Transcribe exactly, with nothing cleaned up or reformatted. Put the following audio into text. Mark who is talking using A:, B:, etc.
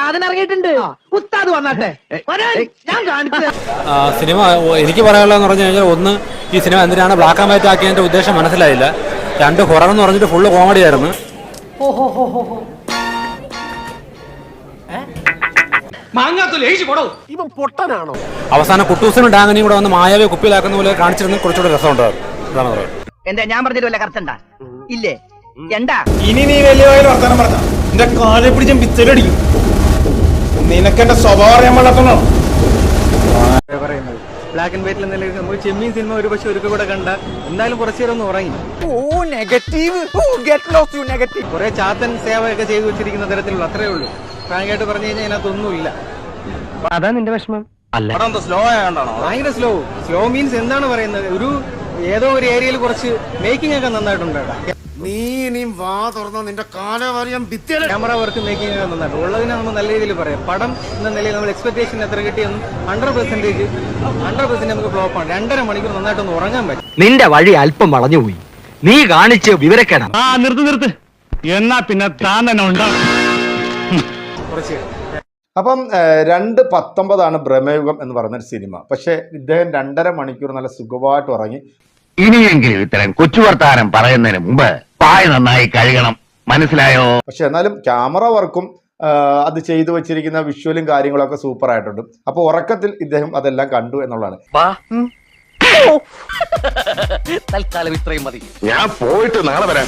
A: സാധനം ഇറങ്ങിയിട്ടുണ്ട്. ഉസ്താദ് വന്നാട്ടെ, ഞാൻ കാണിച്ചു.
B: സിനിമ എനിക്ക് പറയാനുള്ളതെന്ന് പറഞ്ഞു കഴിഞ്ഞാൽ, ഒന്ന്, ഈ സിനിമ എന്തിനാണ് ബ്ലാക്ക് ആൻഡ് വൈറ്റ് ആക്കിയതിന്റെ ഉദ്ദേശം മനസ്സിലായില്ല. രണ്ട്, ഹൊറർ എന്ന് പറഞ്ഞിട്ട് ഫുള്ള് കോമഡി ആയിരുന്നു.
C: ഇവൻ പൊട്ടനാണോ?
B: അവസാനം കുട്ടൂസിനും ഡാങ്ങനെയും കൂടെ വന്ന് മായാവെ കുപ്പിയിലാക്കുന്ന പോലെ കാണിച്ചിരുന്ന കുറച്ചുകൂടെ രസമുണ്ടായിരുന്നു.
A: എന്താ ഞാൻ പറഞ്ഞിട്ട് വല്ല കറക്റ്റണ്ടാ ഇല്ലേ? എന്താ
D: ഇനി നീ വലിയ വർത്തമാനം പറഞ്ഞ എന്റെ കാലെ പിടിച്ച പിച്ചലടിക്കും. നിനക്ക് എന്റെ സ്വഭാവം അറിയാൻ പാടാത്തണോ
E: പറയുന്നത്? ബ്ലാക്ക് ആൻഡ് വൈറ്റിൽ നിലയിൽ നമുക്ക് ചെമ്മീൻ സിനിമ ഒരു പക്ഷെ ഒരു കൂടെ കണ്ട എന്തായാലും കുറച്ചു നേരം ഒന്ന് ഉറങ്ങി.
C: ഓ negative, get lost you negative.
E: കുറെ ചാത്തൻ സേവയൊക്കെ ചെയ്തു വെച്ചിരിക്കുന്ന തരത്തിലുള്ള അത്രേ ഉള്ളൂ. ഫ്രാങ്കായിട്ട് പറഞ്ഞു കഴിഞ്ഞാൽ അതിനകത്തൊന്നുമില്ല.
A: അതാ നിന്റെ വിഷമം?
D: അല്ല, സ്ലോ ആയതുകൊണ്ടാണോ?
E: ഭയങ്കര സ്ലോ. സ്ലോ മീൻസ് എന്താണ് പറയുന്നത്? ഒരു ഏതോ ഒരു ഏരിയയിൽ കുറച്ച് മേക്കിംഗ് ഒക്കെ നന്നായിട്ടുണ്ട്.
C: നീ ഇനിയും വാ തുറന്ന നിന്റെ കാലം അറിയാൻ ഭിത്തിയല്ല.
E: ക്യാമറ വർക്ക് മേക്കിംഗ് ഒക്കെ നന്നായിട്ട് ഉള്ളതിനെ നമ്മൾ നല്ല രീതിയിൽ പറയാം. പടം എന്ന നിലയിൽ നമ്മൾ എക്സ്പെക്ടേഷൻ എത്ര കിട്ടിയെന്നും ഹൺഡ്രഡ് പെർസെന്റേജ് ഹൺഡ്രഡ് പെർസെന്റ് നമുക്ക് ഫ്ലോപ്പാണ്. രണ്ടര മണിക്കൂർ നന്നായിട്ടൊന്ന് ഉറങ്ങാൻ പറ്റും.
F: നിന്റെ വഴി അല്പം വളഞ്ഞുപോയി. നീ കാണിച്ച് വിവരക്കേടാ.
G: ആ നിർത്ത് നിർത്ത് എന്നാ പിന്നെ താൻ തന്നെ ഉണ്ടാവും
E: കുറച്ച്.
H: അപ്പം രണ്ട് പത്തൊമ്പതാണ് ഭ്രമയുഗം എന്ന് പറയുന്ന ഒരു സിനിമ. പക്ഷെ ഇദ്ദേഹം രണ്ടര മണിക്കൂർ നല്ല സുഖമായിട്ട് ഉറങ്ങി.
F: ഇനിയെങ്കിലും ഇത്തരം കൊച്ചു വർത്താനം പറയുന്നതിന് മുമ്പ് പായ നന്നായി കഴുകണം, മനസ്സിലായോ?
H: പക്ഷെ എന്നാലും ക്യാമറ വർക്കും അത് ചെയ്തു വെച്ചിരിക്കുന്ന വിഷ്വലും കാര്യങ്ങളൊക്കെ സൂപ്പർ ആയിട്ടുണ്ട്. അപ്പൊ ഉറക്കത്തിൽ ഇദ്ദേഹം അതെല്ലാം കണ്ടു എന്നുള്ളതാണ്.
F: തൽക്കാലം ഇത്രയും മതി. ഞാൻ പോയിട്ട് നാളെ വരാം.